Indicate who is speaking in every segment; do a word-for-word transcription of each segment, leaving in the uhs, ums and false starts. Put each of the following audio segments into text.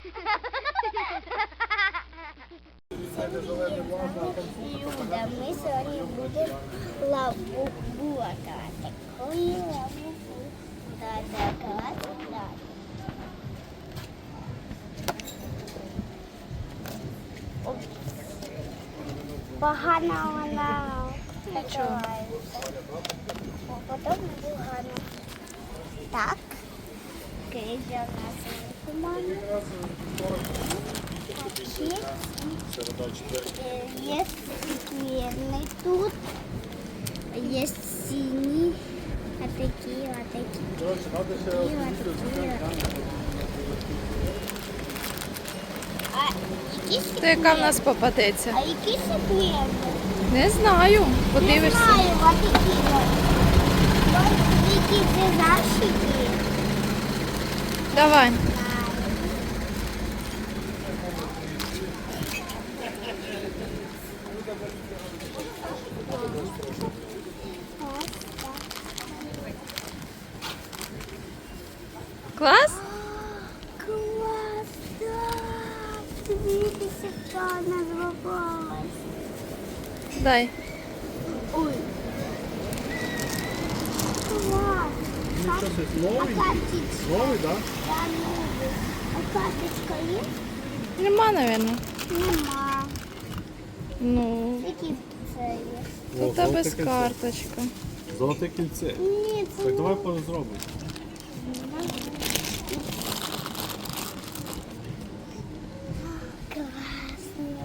Speaker 1: Люда, ми сьогодні будемо лабубу атакувати. Коли лабубу атакувати, так. Погано вона закривається. Потім погано. Так. Кризя у нас туман. Є скверний тут. Є сині. А такі, а такі. Такі, а такі. А які
Speaker 2: То яка в нас попадеться?
Speaker 1: А які секрети?
Speaker 2: Не знаю.
Speaker 1: Не
Speaker 2: Подивишся.
Speaker 1: знаю, а такі. Які це защиті?
Speaker 2: Давай. Клас?
Speaker 1: Клас, так. Дивіться, що вона зробилась.
Speaker 2: Дай.
Speaker 1: Ой. Клас.
Speaker 3: Нічого собі,
Speaker 1: А
Speaker 3: новий?
Speaker 1: карточка?
Speaker 3: Новий, так?
Speaker 1: Я новий. А карточка є?
Speaker 2: Нема, напевно.
Speaker 1: Нема.
Speaker 2: Ну,
Speaker 1: Які це є?
Speaker 2: тут та без карточка.
Speaker 3: Золоте кільце.
Speaker 1: Ні, це
Speaker 3: Так давай
Speaker 1: не-
Speaker 3: позробимо.
Speaker 1: Класно.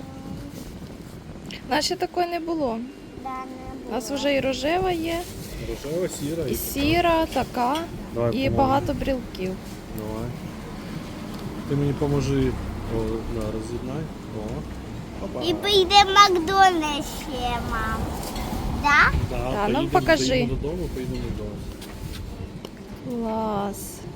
Speaker 2: Наче такої не було.
Speaker 1: Да, не
Speaker 2: У
Speaker 1: було.
Speaker 2: нас вже і рожева є,
Speaker 3: Рожева, сіра
Speaker 2: і
Speaker 3: і
Speaker 2: сіра, така,
Speaker 3: Давай,
Speaker 2: і
Speaker 3: поможемо.
Speaker 2: багато брілків.
Speaker 3: Давай. Ти мені поможи. О, да, роз'єднай. О. Опа.
Speaker 1: І поїде в Макдональдс ще, мам. Да?
Speaker 3: Да,
Speaker 2: Та, ну,
Speaker 3: поїдемо-
Speaker 2: покажи.
Speaker 3: Поїдемо додому, поїдемо додому.
Speaker 2: Клас.